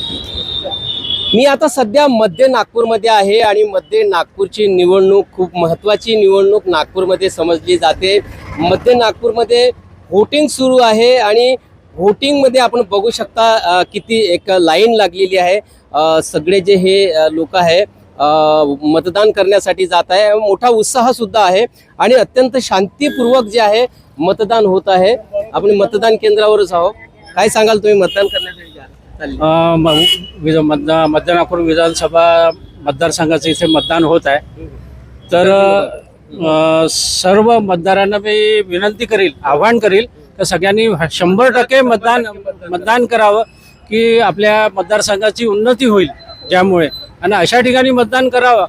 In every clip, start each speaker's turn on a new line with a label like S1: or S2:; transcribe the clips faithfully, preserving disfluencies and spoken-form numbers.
S1: मी आता सध्या मध्य नागपूरमध्ये आहे आणि मध्य नागपूरची निवडणूक खूप महत्त्वाची निवडणूक नागपूरमध्ये समजली जाते। मध्य नागपूरमध्ये व्होटिंग सुरू आहे आणि व्होटिंगमध्ये आपण बघू शकता किती एक लाईन लागलेली आहे। सगळे जे हे लोक आहे मतदान करण्यासाठी जात आहे। मोठा उत्साह सुद्धा आहे आणि अत्यंत शांतीपूर्वक जे आहे मतदान होत आहे। आपण मतदान केंद्रावरच आहोत। काय सांगाल तुम्ही मतदान करण्यासाठी?
S2: मध्य नागपूर विधानसभा मतदारसंघाचं इथे मतदान होत आहे। तर सर्व मतदारांना मी विनंती करील, आवाहन करील तर सगळ्यांनी शंभर टक्के मतदान मतदान करावं की आपल्या मतदारसंघाची उन्नती होईल। ज्यामुळे आणि अशा ठिकाणी मतदान करावं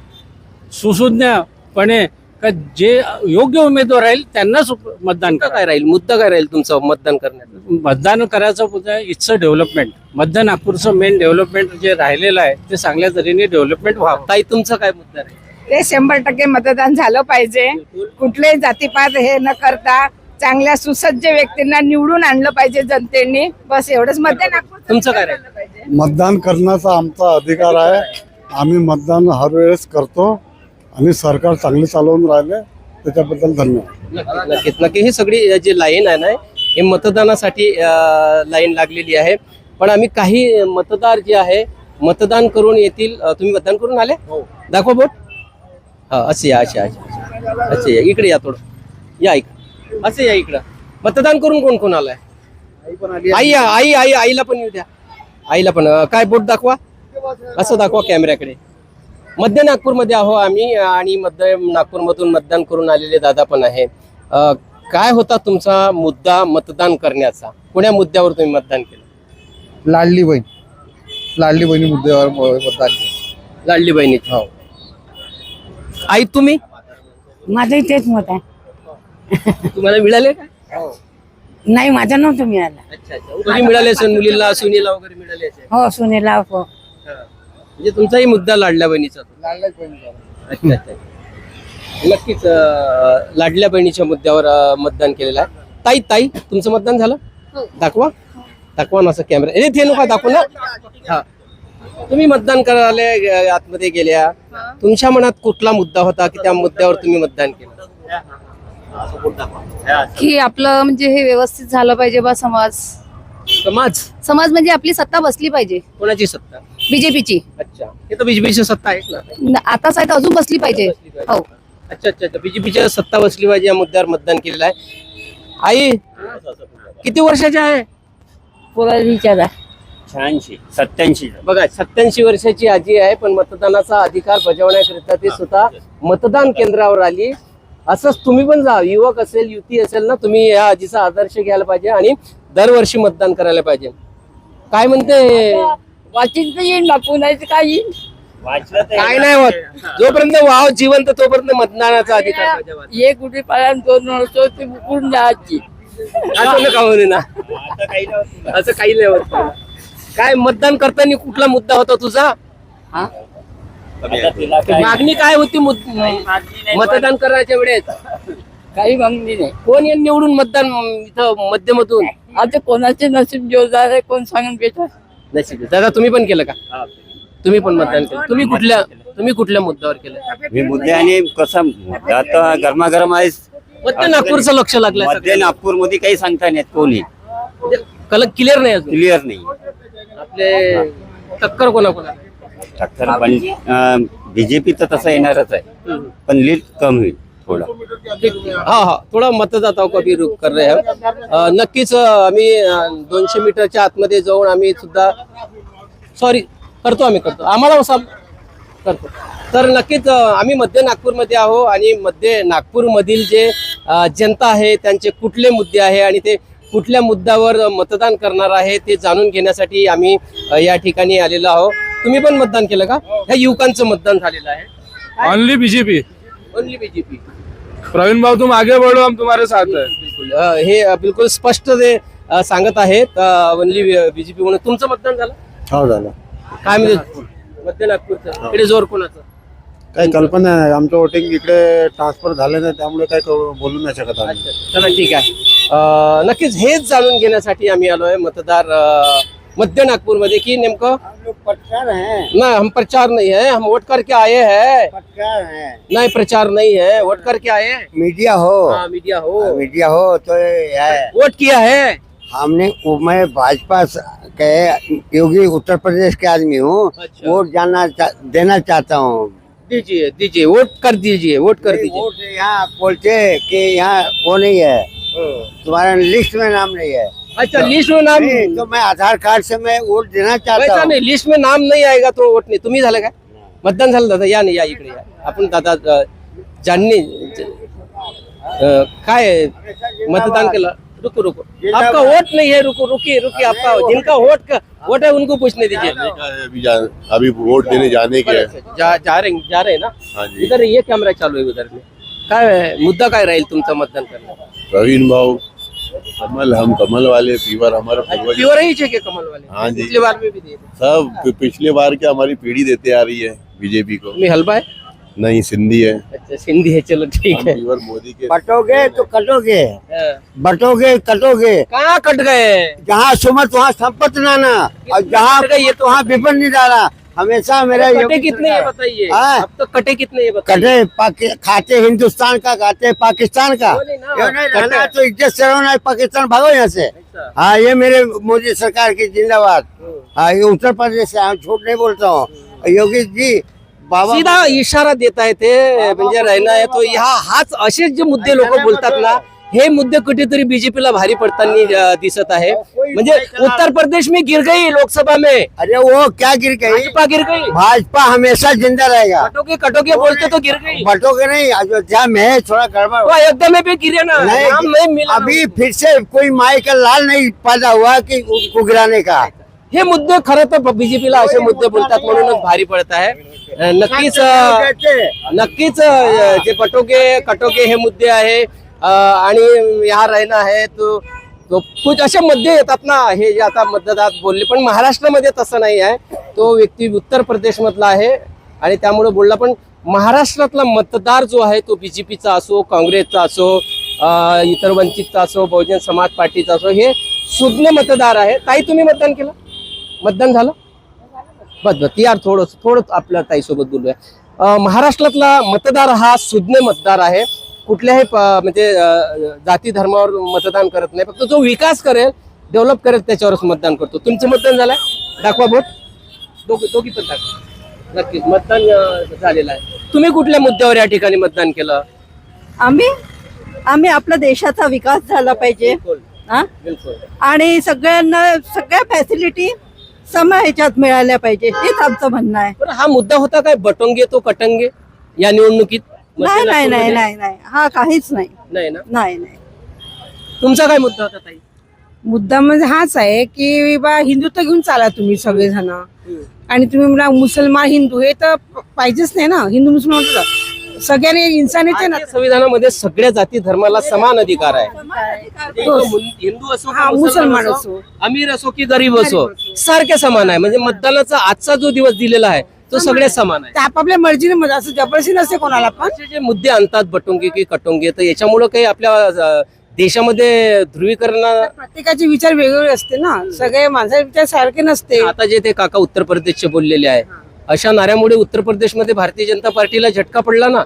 S2: सुसूज्ञपणे का जे योग्य उमेदवार राहील त्यांनाच मतदान करा।
S1: काय राहील मुद्दा काय राहील तुमचा मतदान करण्याचा?
S2: मतदान करायचं मुद्दा इट्स डेव्हलपमेंट। मध्य नागपूरचं मेन डेव्हलपमेंट जे राहिलेलं आहे ते चांगल्या तऱ्हेने डेव्हलपमेंट व्हावं।
S1: ताई तुमचा काय मुद्दा आहे?
S3: ते शंभर टक्के मतदान झालं पाहिजे। कुठलेही जातीपात हे न करता चांगल्या सुसज्ज व्यक्तींना निवडून आणलं पाहिजे जनतेने। बस एवढंच मध्य नागपूर।
S1: तुमचं काय राहील?
S4: मतदान करण्याचा आमचा अधिकार आहे। आम्ही मतदान हर वेळेस करतो आणि सरकार चांगले चालवून राहिले त्याच्याबद्दल धन्यवाद।
S1: नक्कीच नक्की ही सगळी जी लाईन आहे ना हे मतदानासाठी लाईन लागलेली आहे। पण आम्ही काही मतदार जे आहे मतदान करून येतील। तुम्ही मतदान करून आले? दाखवा बोट। हा असे या असे असे या इकडे या थोडं या इकडे असे या इकडं। मतदान करून कोण कोण आलाय? आई या आई आई आईला पण येऊ द्या। आईला पण काय बोट दाखवा असं दाखवा कॅमेऱ्याकडे। मध्य नागपूरमध्ये आहो आम्ही आणि मध्य नागपूरमधून मतदान करून आलेले दादा पण आहे। काय होता तुमचा मुद्दा मतदान करण्याचा? कोण्या मुद्द्यावर तुम्ही मतदान केलं?
S4: लाडली बहीण लाडली बहिणी मुद्द्यावर मतदान केलं।
S1: लाडली बहिणी। हो आई तुम्ही?
S3: माझंही तेच मत आहे।
S1: तुम्हाला मिळाले का?
S3: नाही माझं नव्हतं मिळालं।
S1: अच्छा अच्छा तुम्ही मिळाले असेल मुलीला सुनीला वगैरे मिळाले असेल।
S3: हो सुनेला हो।
S1: म्हणजे तुमचाही मुद्दा लाडल्या बहिणीचा? अच्छा अच्छा नक्कीच लाडल्या बहिणीच्या मुद्द्यावर मतदान केलेलं आहे। ताई ताई तुमचं मतदान झालं? दाखवा दाखवा ना असं कॅमेरा। अरे ते नका दाखवू ना। हा तुम्ही मतदान करायला आतमध्ये गेल्या तुमच्या मनात कुठला मुद्दा होता की त्या मुद्द्यावर तुम्ही मतदान केलं?
S5: की आपलं म्हणजे हे व्यवस्थित झालं पाहिजे बा। समाज
S1: समाज
S5: समाज म्हणजे आपली सत्ता बसली पाहिजे।
S1: कोणाची सत्ता?
S5: बीजेपीची।
S1: अच्छा हे तर बीजेपीची सत्ता आहे ना
S5: आताच आहे तर अजून बसली पाहिजे। हो
S1: अच्छा अच्छा अच्छा बीजेपीच्या सत्ता बसली पाहिजे या मुद्द्यावर मतदान केलेलं आहे। आई किती वर्षाच्या आहे?
S3: विचारा
S2: शहाऐंशी सत्याऐंशी
S1: बघा सत्याऐंशी वर्षाची आजी आहे पण मतदानाचा अधिकार बजावण्याकरिता ती स्वतः मतदान केंद्रावर आली। असंच तुम्ही पण जा, युवक असेल युती असेल ना तुम्ही या आजीचा आदर्श घ्यायला पाहिजे आणि दरवर्षी मतदान करायला पाहिजे। काय म्हणते?
S3: वाचित येईल ना पुण्याचं काही
S1: काय नाही होत जोपर्यंत वाव जिवंत तोपर्यंत मतदानाचा अधिकार बजावा।
S3: ये कुठे पाळ्या दोन वर्ष ते बुकून द्यायची
S1: असं नका म्हणू ना असं काही नाही होत। काय मतदान करताना कुठला मुद्दा होता तुझा? मागणी काय होती मतदान करायच्या वेळेस?
S3: काही मागणी नाही।
S1: कोण या निवडून मतदान इथं मध्यमधून?
S3: आता कोणाचे नसीब जोरदार आहे कोण सांगून बेटा
S1: नशीब। दादा तुम्ही पण केलं का? तुम्ही पण मतदान केलं? तुम्ही कुठल्या तुम्ही कुठल्या मुद्द्यावर केलं?
S6: मी मुद्दे आणि कसं आता गरमागरम आहे।
S1: मध्य नागपूरचं लक्ष लागलं?
S6: मध्य नागपूर मध्ये काही सांगता नाही कोणी
S1: कल क्लिअर नाही अजून?
S6: क्लिअर नाही।
S1: आपले टक्कर कोणा कोणा?
S6: टक्कर पण बीजेपी तर तसं येणारच आहे पण लीड कम होईल थोडा।
S1: हा हा थोडा मतदाताओं का भी रुख कर रहे हैं। नक्कीच आम्ही दोनशे मीटरच्या आतमध्ये जाऊन आम्ही सुद्धा सॉरी करतो आम्ही करतो आम्हाला असा करतो। तर नक्कीच आम्ही मध्य नागपूरमध्ये आहो आणि मध्य नागपूरमधील जे जनता आहे त्यांचे कुठले मुद्दे आहे आणि ते कुठल्या मुद्द्यावर मतदान करणार आहे ते जाणून घेण्यासाठी आम्ही या ठिकाणी आलेलो आहोत। तुम्ही पण मतदान केलं का? ह्या युवकांचं मतदान झालेलं आहे।
S7: Only BJP
S1: only BJP.
S7: Praveen भाऊ तुम आगे बढ़ो हम तुम्हारे साथ है।
S1: बिलकुल हे बिलकुल स्पष्ट ते सांगत आहेत ओनली बीजेपी म्हणून। तुमचं मतदान झालं?
S4: हो झालं।
S1: काय म्हणजे मध्य नागपूरचं इकडे जोर कोणाचं?
S4: काही कल्पना नाही। आमचं वोटिंग इकडे ट्रान्सफर झालं नाही त्यामुळे काही बोलू नाही शकत आम्ही।
S1: चला ठीक आहे। नक्कीच हेच जाणून घेण्यासाठी आम्ही आलोय मतदार मध्य नागपूरमध्ये की नेमकं
S8: पटकार है
S1: नाही हम प्रचार नहीं है, हम वोट करके आए हैं.
S8: पटकार है
S1: नहीं प्रचार नहीं है, वोट करके आए हैं.
S8: मीडिया हो
S1: हाँ, मीडिया हो,
S8: मीडिया हो तो ये है
S1: वोट किया है.
S8: हमने मैं भाजपा के योगी उत्तर प्रदेश के आदमी हूँ
S1: अच्छा.
S8: वोट जानना चा, देना चाहता हूँ
S1: दीजिए दीजिए वोट कर दीजिए, वोट कर दीजिए.
S8: वोट यहाँ बोलते कि यहाँ वो नहीं है, तुम्हारा लिस्ट में नाम नहीं है.
S1: अच्छा लिस्ट में नाम
S8: नहीं, तो मैं आधार कार्ड से मैं वोट देना चाहता
S1: वैसा
S8: हूँ.
S1: नाही, लिस्ट में नाम नाही आएगा तो वोट नाही. तुम्ही झालं काय मतदान झालं दादा? या नाही, या इकडे या. आपण दादा अ, ज्यांनी अ, काय मतदान केलं. रुको रुको, आपका वोट नहीं है. रुको रुकिए रुकिए, आपका जिनका वोट का वोट है उनको पूछने दीजिए.
S9: अभी जा, अभी वोट देने जाने के हैं.
S1: जा जा रहे जा रहे ना.
S9: हाँ जी.
S1: इधर ये कॅमेरा चालू आहे उधर में. काय मुद्दा काय राहील तुमचा मतदान करण्याचा?
S9: प्रवीण भाव कमल, हम कमल वाले, फीवर हमारे पूर्वज
S1: प्योर ही चाहिए कमल वाले.
S9: हाँ जी.
S1: पिछली बार में भी दिए थे.
S9: सब पि- पिछले बार के हमारी पीढ़ी देते आ रही है बीजेपी को.
S1: तुम्ही हलवा है?
S9: नहीं, सिंधी है.
S1: अच्छा सिंधी है, चलो ठीक
S9: हम
S1: है.
S9: फीवर मोदी के.
S8: बटोगे तो कटोगे,
S1: हाँ.
S8: बटोगे कटोगे.
S1: कहाँ कट गए?
S8: जहाँ सुमत वहाँ संपत नाना, और जहाँ गई तो वहाँ विपन नहीं डाला. हमेशा मेरा
S1: कटे
S8: योगी
S1: कितने ये
S8: सरकार-
S1: बताइए.
S8: हाँ?
S1: अब तो कटे कितने ये बताइए.
S8: कटे पाकि- खाते हिंदुस्तान का, खाते पाकिस्तान का.
S1: बोले ना,
S8: ये नहीं
S1: कटे.
S8: रहना तो इज्जत से रहना है, पाकिस्तान भागो यहाँ से.
S1: अच्छा.
S8: हाँ, ये मेरे मोदी सरकार की जिंदाबाद. हाँ, ये उत्तर प्रदेश से हम झूठ नहीं बोलता हूँ. योगी जी बाबा
S1: सीधा इशारा देता है ते म्हणजे राहिना आहे तो. ह्या हाच असेच जे मुद्दे लोक बोलतात ना, हे मुद्दे कुठेतरी बीजेपीला भारी पडताना अ, दिसत आहे. म्हणजे उत्तर प्रदेश में गिर गई लोकसभा में,
S8: अरे वो क्या गिर गई.
S1: भाजपा गिर गई.
S8: भाजपा हमेशा जिंदा रहेगा.
S1: कटोगे कटोगे बोलते तो गिर गई.
S8: बटोगे नहीं, अयोध्या में थोड़ा गड़बड़
S1: तो
S8: हुआ.
S1: अयोध्या में भी गिरे ना,
S8: नहीं,
S1: नाम नहीं मिला.
S8: अभी फिर से कोई माई का लाल नहीं पैदा हुआ कि उसको गिराने का.
S1: हे मुद्दे खरं तर बीजेपीला असे मुद्दे बोलतात म्हणूनच भारी पडत आहे. अ, नक्कीच अ, नक्कीच अ, जे पटोगे कटोगे हे मुद्दे आहे अ, आणि ह्या राहिना आहे तो तो कुछ असे मुद्दे येतात ना, हे जे आता मतदार बोलले. पण महाराष्ट्रामध्ये तसं नाही आहे. तो व्यक्ती उत्तर प्रदेश मधला आहे आणि त्यामुळे बोलला. पण महाराष्ट्रातला मतदार जो आहे तो बीजेपीचा असो, काँग्रेसचा असो, अ, इतर वंचितचा असो, बहुजन समाज पार्टीचा असो, हे सुज्ञ मतदार आहे. ताई तुम्ही मतदान केलं? मतदान झालं? बस बस यार, थोडं थोडं आपल्या ताईसोबत बोलूया. अ, महाराष्ट्रातला मतदार हा सुज्ञ मतदार आहे. कुठल्याही प- म्हणजे अ, जाती धर्मावर मतदान करत नाही. फक्त जो विकास करेल, डेव्हलप करेल त्याच्यावरच मतदान करतो. तुमचं मतदान झालंय? दाखवा बोट. दोघी दोघी पण दाखवा. नक्कीच मतदान अ, झालेलं आहे. तुम्ही कुठल्या मुद्द्यावर या ठिकाणी मतदान केलं?
S10: आम्ही आम्ही आपल्या देशाचा विकास झाला पाहिजे
S1: बिलकुल
S10: हा?
S1: बिलकुल.
S10: आणि सगळ्यांना सगळ्या फॅसिलिटी सम ह्याच्यात मिळाल्या पाहिजे, हेच आमचं म्हणणं आहे.
S1: बरं, हा मुद्दा होता काय बटोंगे तो कटंगे या निवडणुकीत?
S10: नाही नाही नाही
S1: नागपूरमध्ये?
S10: नाही नाही हा काहीच नाही
S1: नाही ना.
S10: नाही नाही
S1: तुमचा काय मुद्दा होता ताई?
S3: मुद्दा म्हणजे हाच आहे की बा हिंदुत्व घेऊन चाला तुम्ही सगळेजण. आणि तुम्ही म्हणा मुसलमान हिंदू, हे तर पाहिजेच नाही ना. हिंदू मुसलमान तर सगळ्यांनी इन्सानीचे ना.
S1: भारतीय संविधानामध्ये सगळ्या जाती धर्माला समान अधिकार आहे. ते
S3: तो-
S1: हिंदू हिंदू असो
S3: हा,
S1: का
S3: मुसलमान
S1: मुसलमान
S3: असो.
S1: अमीर असो की गरीब असो, सारखे समान आहे. म्हणजे मतदानाचा आजचा जो दिवस दिलेला आहे तो सगळे समान आहे.
S3: ते आपापल्या मर्जीने मध्ये असं जबरदस्ती नसते कोणाला पण.
S1: असे जे मुद्दे आणतात बटोंगे की कटोंगे, तर याच्यामुळे काही आपल्या अ, देशामध्ये ध्रुवीकरण.
S3: प्रत्येकाचे विचार वेगवेगळे असते ना, सगळे माझे विचार सारखे नसते.
S1: आता जे ते काका उत्तर प्रदेशचे बोललेले आहे, अशा नाऱ्यामुळे उत्तर प्रदेशमध्ये भारतीय जनता पार्टीला झटका पडला ना.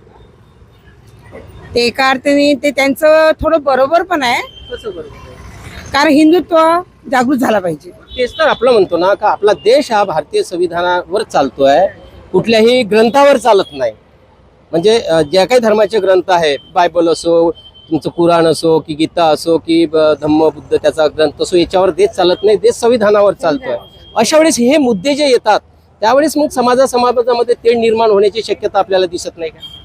S3: ते एका अर्थाने ते त्यांचं थोडं बरोबर पण आहे,
S1: कसं बरोबर?
S3: कारण हिंदुत्व जागृत झाला पाहिजे.
S1: तेच तर आपलं म्हणतो ना, का आपला देश हा भारतीय संविधानावर चालतोय, कुठल्याही ग्रंथावर चालत नाही. म्हणजे अ, ज्या काही धर्माचे ग्रंथ आहे, बायबल असो, तुमचं कुराण असो की गीता असो की ब- धम्म बुद्ध त्याचा ग्रंथ असो, याच्यावर देश चालत नाही. देश संविधानावर चालतोय. अशा वेळेस हे मुद्दे जे येतात त्यावेळेस मग समाजा समाजामध्ये तेढ निर्माण होण्याची शक्यता आपल्याला दिसत नाही का?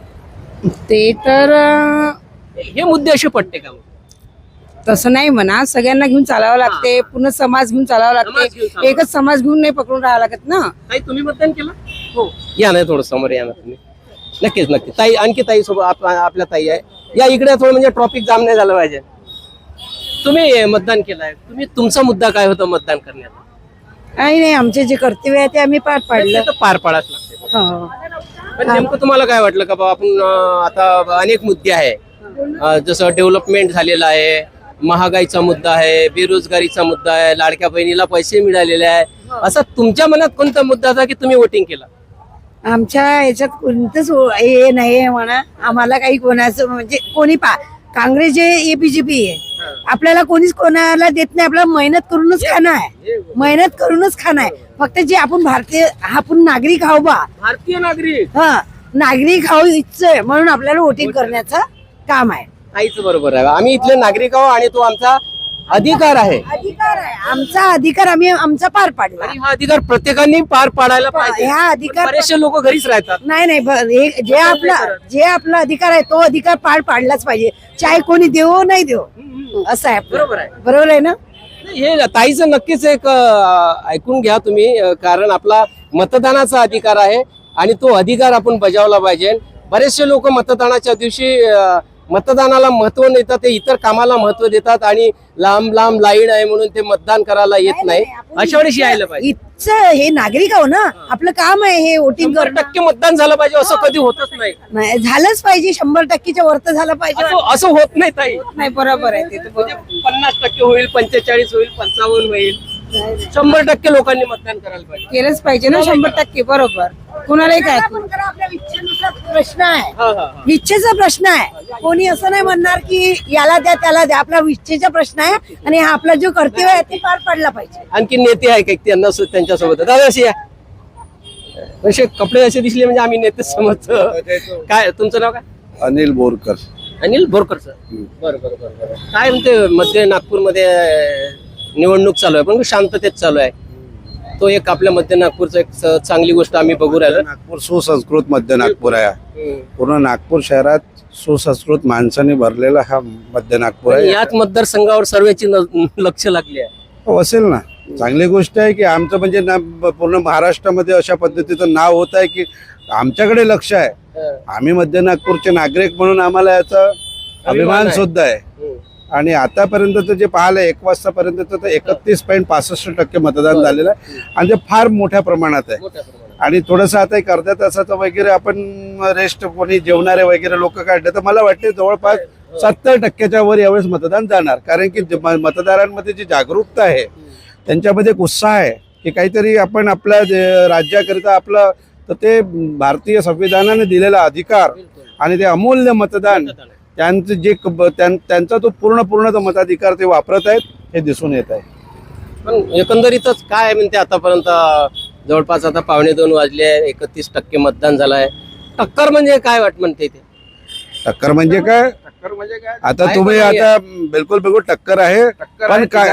S3: ते तर अं,
S1: हे मुद्दे असे पडते का मग?
S3: तसं नाही म्हणा, सगळ्यांना घेऊन चालावं लागते, पूर्ण समाज घेऊन चालावं
S1: समाज घेऊन
S3: लागते.
S1: चालावं
S3: एकच समाज घेऊन नाही पकडून राहावं लागत ना.
S1: ताई तुम्ही मतदान केलं? हो. या नाही थोडं समोर या ना तुम्ही. नक्कीच नक्की ताई, आणखी ताई सोबत आप- आपल्या ताई आहे. या इकडे थोडं, म्हणजे ट्रॉफिक जाम नाही झालं पाहिजे. तुम्ही मतदान केलंय, तुम्ही तुमचा मुद्दा काय होता मतदान करण्याचा?
S10: नाही नाही, आमचे जे कर्तव्य आहे ते आम्ही पार पाडलं.
S1: ते तर पार पाडाच लागते.
S10: हो.
S1: पण नेमकं तुम्हाला काय वाटलं का बाबा आपण अं, आता अनेक मुद्दे आहे, अं, जसं डेव्हलपमेंट झालेलं आहे, महागाईचा मुद्दा आहे, बेरोजगारीचा मुद्दा आहे, लाडक्या बहिणीला पैसे मिळालेले आहे, असा तुमच्या मनात कोणता मुद्दा होता की तुम्ही वोटिंग केला?
S3: आमच्या याच्यात कोणतंच हे नाही आहे म्हणा. आम्हाला काही कोणाचं म्हणजे कोणी पा काँग्रेस जे एबीजेपी आहे, आपल्याला कोणीच कोणाला देत नाही. आपल्याला मेहनत करूनच खाणं आहे, मेहनत करूनच खाणं आहे. फक्त जे आपण भारतीय आपण नागरिक आहो बा,
S1: भारतीय नागरिक
S3: हा नागरिक आहो इच्छा आहे म्हणून आपल्याला वोटिंग करण्याचं काम आहे.
S1: आईच बरोबर आहे. आम्ही इथले नागरिक आहोत आणि तो आमचा अधिकार आहे
S3: अधिकार आहे, आमचा अधिकार आम्ही आमचा पार पाडला.
S1: आणि हा अधिकार प्रत्येकाने पार पाडायला पाहिजे.
S3: ह्या अधिकार
S1: बरेचसे लोक घरीच राहतात.
S3: नाही नाही ब- हे जे आपला जे आपला अधिकार आहे तो अधिकार पार पाडलाच पाहिजे, चाहे कोणी देवो नाही देवो. असं आहे आपलं.
S1: बरोबर आहे.
S3: बरोबर आहे ना.
S1: हे ताईचं नक्कीच एक अं, ऐकून घ्या तुम्ही, अं, कारण आपला मतदानाचा अधिकार आहे आणि तो अधिकार आपण बजावला पाहिजे. बरेचसे लोक मतदानाच्या दिवशी अं, मतदानाला महत्व न देतात, ते इतर कामाला महत्व देतात आणि लांब लांब लाईन आहे म्हणून ते मतदान करायला येत नाही. अशा वेळेस यायला पाहिजे.
S3: इथचं हे नागरिक आहो ना, आपलं काम आहे हे वोटिंग
S1: शंभर
S3: करणं.
S1: टक्के मतदान झालं पाहिजे असं कधी होतच नाही.
S3: नाही झालंच पाहिजे, शंभर टक्केच्या वरत झालं पाहिजे.
S1: असं असं होत नाही ताई.
S3: नाही बरोबर आहे ते तर
S1: म्हणजे पन्नास टक्के होईल, पंचेचाळीस होईल, पंचावन्न होईल, शंभर टक्के लोकांनी मतदान करायला पाहिजे.
S3: केलंच पाहिजे ना शंभर टक्के. बरोबर. कुणालाही काय आपल्या इच्छेनुसार प्रश्न आहे,
S1: हा, हा, हा.
S3: इच्छेचा प्रश्न आहे. कोणी असं नाही म्हणणार की याला द्या त्याला द्या. आपला इच्छेचा प्रश्न आहे आणि हा आपला जो कर्तव्य आहे ते पार पडला पाहिजे.
S1: आणखी नेते आहे का त्यांना सु- त्यांच्यासोबत दादा अशी या असे कपडे असे दिसले म्हणजे आम्ही नेते समजतो. काय तुमचं नाव काय?
S9: अनिल बोरकर.
S1: अनिल बोरकर सर. बरं बरं बरं बरं. काय म्हणते मध्य नागपूरमध्ये निवडणूक चालू आहे पण शांततेत चालू आहे. तो एक आपल्या मध्य नागपूरचा एक स- चांगली गोष्ट आम्ही बघू राहिलो.
S9: नागपूर सुसंस्कृत मध्य नागपूर आहे.
S1: हम्म.
S9: पूर्ण नागपूर शहरात सुसंस्कृत माणसाने भरलेला हा मध्य नागपूर
S1: आणि
S9: आहे.
S1: याच मतदारसंघावर सर्वेची न- लक्ष लागली आहे.
S9: हो, असेल ना. चांगली गोष्ट आहे की आमचं म्हणजे ना पूर्ण महाराष्ट्रामध्ये अशा पद्धतीचं नाव होत आहे की आमच्याकडे लक्ष आहे. आम्ही मध्य नागपूरचे नागरिक म्हणून आम्हाला याचा अभिमान
S1: आहे.
S9: सुद्धा आहे.
S1: हम्म.
S9: आणि आतापर्यंत जे पाहिलं एक वाजतापर्यंत तर एकतीस पॉईंट पासष्ट टक्के मतदान झालेलं आहे आणि ते फार मोठ्या प्रमाणात आहे.
S1: मोठ्या प्रमाणात.
S9: आणि थोडंसं आता एक अर्ध्या तासाचं वगैरे आपण रेस्ट कोणी जेवणारे वगैरे लोक काढले तर मला वाटते जवळपास सत्तर टक्क्याच्या वर यावेळेस मतदान जाणार. कारण की जे म- मतदारांमध्ये जी जागरूकता आहे त्यांच्यामध्ये एक उत्साह आहे की काहीतरी आपण आपल्या जे राज्याकरिता आपलं तर ते भारतीय संविधानाने दिलेला अधिकार आणि ते अमूल्य मतदान त्यांचं जे क- त्यां- त्यांचा तो पूर्ण पूर्ण तो मताधिकार ते वापरत आहेत हे दिसून येत आहे.
S1: पण एकंदरीतच काय म्हणते आतापर्यंत जवळपास आता पावणे दोन वाजले आहे, एकतीस टक्के मतदान झालं आहे. टक्कर म्हणजे काय वाट म्हणते ते?
S9: टक्कर म्हणजे काय?
S1: टक्कर म्हणजे काय?
S9: आता
S1: काय
S9: तुम्ही
S1: म्हणजे
S9: आता बिलकुल बिलकुल टक्कर आहे. पण काय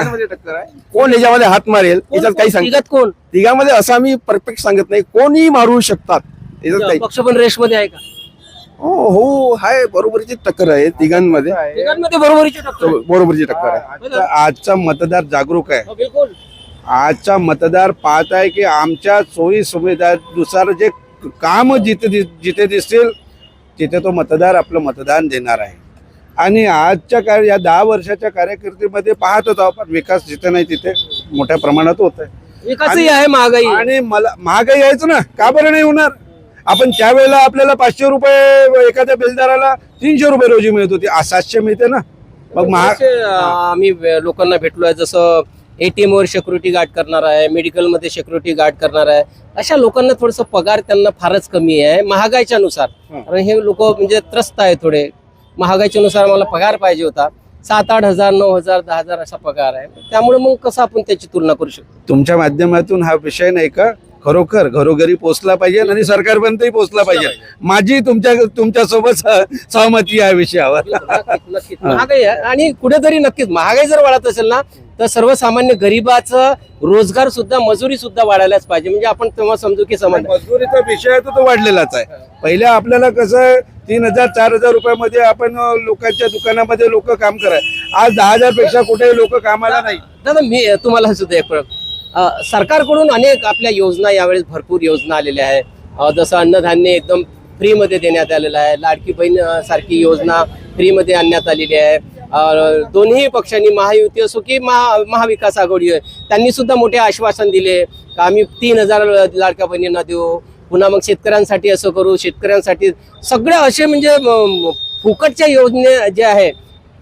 S11: कोण याच्यामध्ये हात मारेल
S1: कोण-
S11: याच्यात काही सांग
S1: तिघात कोण?
S11: तिघांमध्ये असं आम्ही परफेक्ट सांगत नाही, कोणी मारू शकतात याच्यात काही.
S1: पक्ष पण रेसमध्ये आहे का?
S11: हो हो हाय, बरोबरीची टक्कर आहे तिघांमध्ये.
S1: तिघांमध्ये बरोबरीची टक्कर आहे.
S11: बरोबरीची टक्कर आहे.
S9: आजचा आजचा मतदार जागरूक आहे.
S1: हो, बिलकुल.
S9: आजचा मतदार पाहत आहे की आमच्या सोयी सुविधानुसार जे काम जिथे दि- जिथे दिसतील तिथे तो मतदार आपलं मतदान देणार आहे. आणि आजच्या कार्य या दहा वर्षाच्या कार्यकिर्दीमध्ये पाहतच आहोत आपण विकास जिथे नाही तिथे मोठ्या प्रमाणात होत आहे.
S1: विकासही आहे, महागाई आहे.
S9: आणि मला महागाई यायचं ना, का बरं नाही होणार? आपण त्यावेळेला आपल्याला पाचशे रुपये एखाद्या बिलदाराला तीनशे रुपये रोजी मिळत होती, आज सातशे मिळते ना. मग महाग
S1: बरेचसे, अं, आम्ही लोकांना भेटलोय, जसं एटीएम वर सिक्युरिटी गार्ड करणार आहे, मेडिकल मध्ये सिक्युरिटी गार्ड करणार आहे, अशा लोकांना थोडस पगार त्यांना फारच कमी आहे महागाईच्या नुसार. कारण हे लोक म्हणजे त्रस्त आहे थोडे. महागाईच्या नुसार मला पगार पाहिजे होता, सात आठ हजार नऊ हजार दहा हजार असा पगार आहे. त्यामुळे मग कसं आपण त्याची तुलना करू शकतो?
S9: तुमच्या माध्यमातून हा विषय नाही का खरोखर घरोघरी पोहोचला पाहिजे आणि सरकारपर्यंतही पोहोचला पाहिजे. माझी तुमच्या तुमच्यासोबत सह- सहमती आहे या विषयावर.
S1: नक्कीच, नक्कीच. महागाई आहे आणि कुठेतरी नक्कीच महागाई जर वाढत असेल ना तर सर्वसामान्य गरिबाचं रोजगार सुद्धा मजुरी सुद्धा वाढायलाच पाहिजे. म्हणजे आपण तेव्हा समजू की समाज
S9: मजुरीचा विषय आहे तो तो वाढलेलाच आहे. पहिल्या आपल्याला कसं तीन हजार चार हजार रुपयामध्ये आपण अं, लोकांच्या दुकानामध्ये लोक काम कराय, आज दहा हजार पेक्षा कुठेही लोक कामाला नाही.
S1: दादा मी तुम्हाला सुद्धा एक प्रश्न. अ, सरकारकडून अनेक आपल्या योजना यावेळेस भरपूर योजना आलेल्या आहे. अ, जसं अन्नधान्य एकदम फ्रीमध्ये देण्यात आलेलं आहे, लाडकी बहीण अ, सारखी योजना फ्रीमध्ये आणण्यात आलेली आहे. अ, दोन्ही पक्षांनी महायुती असो की महा महाविकास आघाडी आहे त्यांनी सुद्धा मोठे आश्वासन दिले का आम्ही तीन हजार लाडक्या बहिणींना देऊ, पुन्हा मग शेतकऱ्यांसाठी असं करू, शेतकऱ्यांसाठी सगळ्या असे म्हणजे म, फुकटच्या योजने जे आहे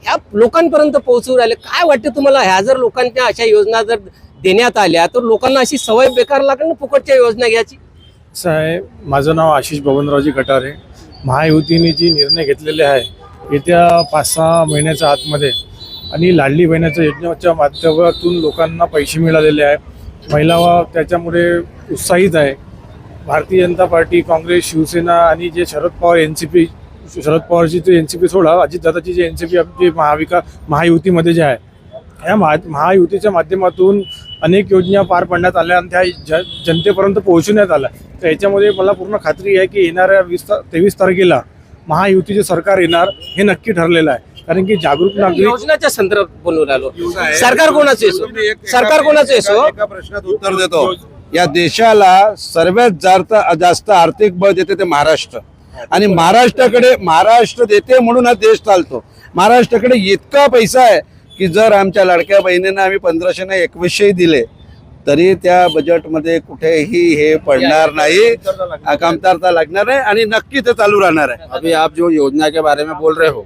S1: ह्या लोकांपर्यंत पोहोचू राहिले. काय वाटतं तुम्हाला, ह्या जर लोकांच्या अशा योजना जर देण्यात आल्या तर लोकांना अशी सवय बेकार लागेल ना फुकटच्या योजना घ्यायची?
S7: असं आहे, माझं नाव आशिष बबनरावजी कटारे. महायुतीने जी निर्णय घेतलेले आहे येत्या पाच सहा महिन्याच्या आतमध्ये आणि लाडली बहिणाच्या योजनेच्या माध्यमातून लोकांना पैसे मिळालेले आहे. महिला त्याच्यामुळे उत्साहित आहे. भारतीय जनता पार्टी, काँग्रेस, शिवसेना आणि जे Sharad Pawar N C P Sharad पवारची जे एन सी पी सोडा अजितदादाची जे एन सी पी आपली महाविकास महायुतीमध्ये जे आहे, ह्या महा महायुतीच्या माध्यमातून अनेक योजना पार पाडण्यात आल्या आणि त्या ज जनतेपर्यंत पोहोचवण्यात आल्या. तर याच्यामध्ये मला पूर्ण खात्री आहे की येणाऱ्या वीस ता तेवीस तारखेला महायुतीचे सरकार येणार हे नक्की ठरलेलं आहे. कारण की जागरूक नागरिक
S1: योजनाच्या संदर्भात बोलून राहिलो. सरकार कोणाचं असो, सरकार कोणाचं असो,
S9: एका प्रश्नात उत्तर देतो. या देशाला सर्वात जास्त जास्त आर्थिक बळ देते ते महाराष्ट्र, आणि महाराष्ट्राकडे महाराष्ट्र देते म्हणून हा देश चालतो. महाराष्ट्राकडे इतका पैसा आहे की जर आमच्या लाडक्या बहिणींना आम्ही पंधराशे ना एकवीसशे दिले तरी त्या बजेटमध्ये कुठेही हे पडणार नाही, कमतरता लागणार नाही आणि नक्की ते चालू राहणार आहे.
S11: अभी आप जो योजना के बारे में बोल रहे हो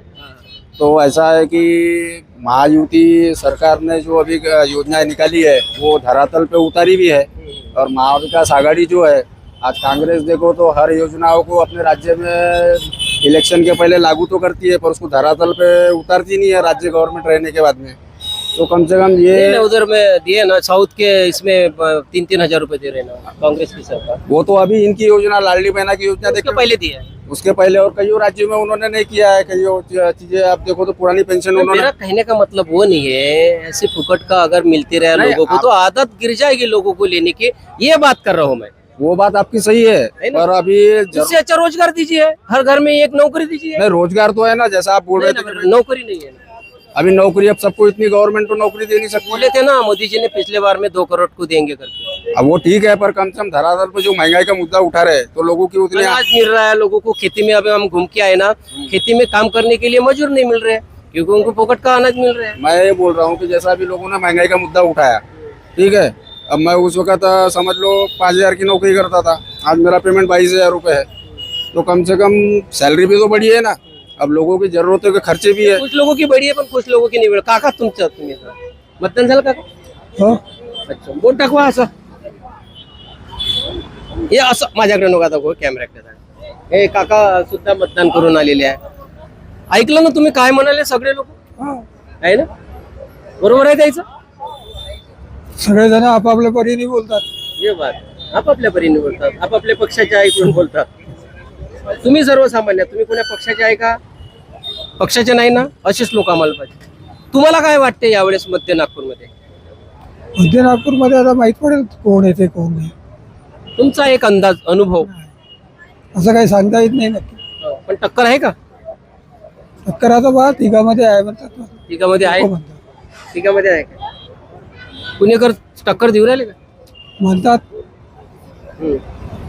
S11: तो ऐसा है कि महायुति सरकार ने जो अभी योजना निकाली है वो धरातल पे उतारी भी है. और महाविकास आघाड़ी जो है, आज कांग्रेस देखो तो हर योजनाओं को अपने राज्य में इलेक्शन के पहले लागू तो करती है पर उसको धरातल पे उतारती नहीं है राज्य गवर्नमेंट रहने के बाद में. तो कम से कम ये
S1: उधर में दिए ना साउथ के, इसमें तीन तीन हजार रुपए दे रहे ना कांग्रेस की सरकार.
S11: वो तो अभी इनकी योजना लाडली बहना की योजना
S1: उसके
S11: देखो
S1: पहले दिया है.
S11: उसके पहले और कई राज्यों में उन्होंने नहीं किया है. कई चीजें आप देखो तो पुरानी पेंशन उन्होंने.
S1: मेरा कहने का मतलब वो नहीं है ऐसे फुकट का अगर मिलती रहे
S11: नहीं,
S1: लोगों को
S11: आप-
S1: तो आदत गिर जाएगी लोगों को लेने की, ये बात कर रहा हूँ मैं.
S11: वो बात आपकी सही है
S1: है ना?
S11: पर अभी जरूर-
S1: इससे अच्छा रोजगार दीजिए, हर घर में एक नौकरी दीजिए.
S11: नहीं, रोजगार तो है ना, जैसा आप बोल रहे
S1: नहीं
S11: थे
S1: ना, नौकरी नहीं है ना.
S11: अभी नौकरी, अब सबको इतनी गवर्नमेंट तो नौकरी दे नहीं सकती.
S1: बोले थे ना मोदी जी ने पिछले बार में दो करोड़ को देंगे करके.
S11: अब वो ठीक है पर कम से कम धरातल पे जो महंगाई का मुद्दा उठा रहे तो लोगों की उतनी.
S1: अनाज मिल रहा है लोगों को खेती में. अभी हम घूम के आए ना, खेती में काम करने के लिए मजदूर नहीं मिल रहे क्योंकि उनको फोकट का अनाज मिल रहा है.
S11: मैं ये बोल रहा हूँ कि जैसा अभी लोगों ने महंगाई का मुद्दा उठाया, ठीक है, अब मैं उस वक्त अ, समझ लो पाँच हजार की नौकरी करता था, आज मेरा पेमेंट बाईस हजार रुपये है. तो कम से कम सैलरी भी तो बढ़ी है ना. अब लोगों की जरूरतों के खर्चे भी है.
S1: कुछ लोगों की बड़ी है पण कुछ लोगों की निवड. काका तुमचं तुम्ही आता मतदान झालं काका? अच्छा, बोट दाखवा असं. हे असं माझ्याकडे नका दाखव, कॅमेऱ्याकडे. हे काका सुद्धा मतदान करून आलेले आहे. ऐकलं ना तुम्ही काय म्हणाले सगळे लोक, आहे ना? बरोबर आहे त्याचं.
S4: सगळेजण आपापल्या परीने बोलतात.
S1: हे बात आपापल्या परीने बोलतात, आपापल्या पक्षाच्या ऐकून बोलतात. तुम्ही सर्वसामान्य, तुम्ही कोण्या पक्षाचे आहे का? पक्षाचे नाही ना, असेच लोक आम्हाला पाहिजे. तुम्हाला काय वाटते यावेळेस मध्य नागपूरमध्ये?
S4: मध्य नागपूरमध्ये आता माहित पडेल कोण येते कोण नाही.
S1: तुमचा एक अंदाज, अनुभव.
S4: असं काही सांगता येत नाही नक्की.
S1: पण टक्कर आहे का?
S4: टक्कर आता बा तिघामध्ये आहे म्हणतात.
S1: तिघामध्ये आहे,
S4: हो म्हणतात.
S1: तिघामध्ये आहे का? पुणेकर टक्कर देऊ राहिले का?
S4: म्हणतात
S1: हम्म.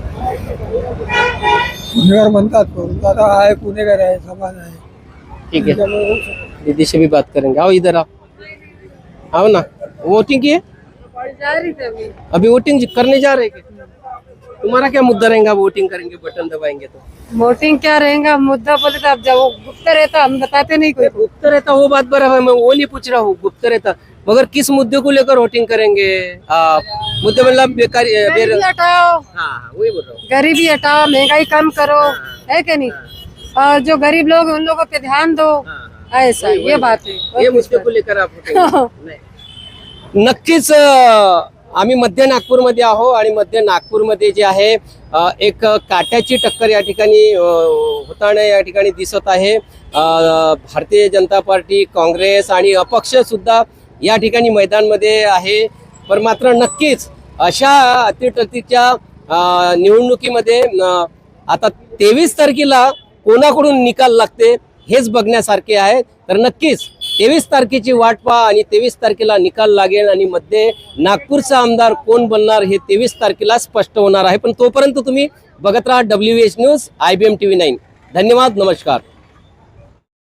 S4: पुणेकर म्हणतात पण आता आहे पुणेकर आहे समाज आहे.
S1: ठीक है, दीदी से भी बात करेंगे. आओ इधर आओ, आओ ना. वोटिंग की है अभी? वोटिंग करने जा रहे हैं क्या? तुम्हारा क्या मुद्दा रहेगा? वोटिंग करेंगे, बटन दबाएंगे तो
S5: वोटिंग क्या रहेगा मुद्दा बोले तो आप जब वो गुप्त रहता हम बताते नहीं कोई.
S1: गुप्त रहता वो बात बराबर है, मैं वो नहीं पूछ रहा हूँ. गुप्त रहता मगर किस मुद्दे को लेकर वोटिंग करेंगे आप? मुद्दे मतलब बेकारी
S5: गरीबी
S1: बेर...
S5: हटाओ,
S1: हाँ हाँ वही बोल रहा हूँ.
S5: गरीबी हटाओ, महंगाई कम करो, है क्या नहीं? और जो गरीब लोग हैं, उन लोगों पे ध्यान दो, ऐसा ये बात है.
S1: ये मुद्दे को लेकर आप वोटिंग नाही. नक्कीच अं, आम्ही मध्य नागपूरमध्ये आहो आणि मध्य नागपूरमध्ये जे आहे अं, एक काट्याची टक्कर या ठिकाणी अं, होताना या ठिकाणी दिसत आहे. अं, भारतीय जनता पार्टी, काँग्रेस आणि अपक्ष सुद्धा या ठिकाणी मैदानमध्ये आहे. पण मात्र नक्कीच अशा अतिटतीच्या अं, निवडणुकीमध्ये अं, आता तेवीस तारखेला कोणाकडून निकाल लागते हेच बघण्यासारखे आहे. तर नक्कीच तेवीस तारखेची वाट पहा आणि तेवीस तारखेला निकाल लागेल आणि मध्ये नागपूरचा आमदार कोण बनणार हे तेवीस तारखेला स्पष्ट होणार आहे. पण तोपर्यंत तुम्ही बघत राहा W H news, I B M T V nine. धन्यवाद, नमस्कार.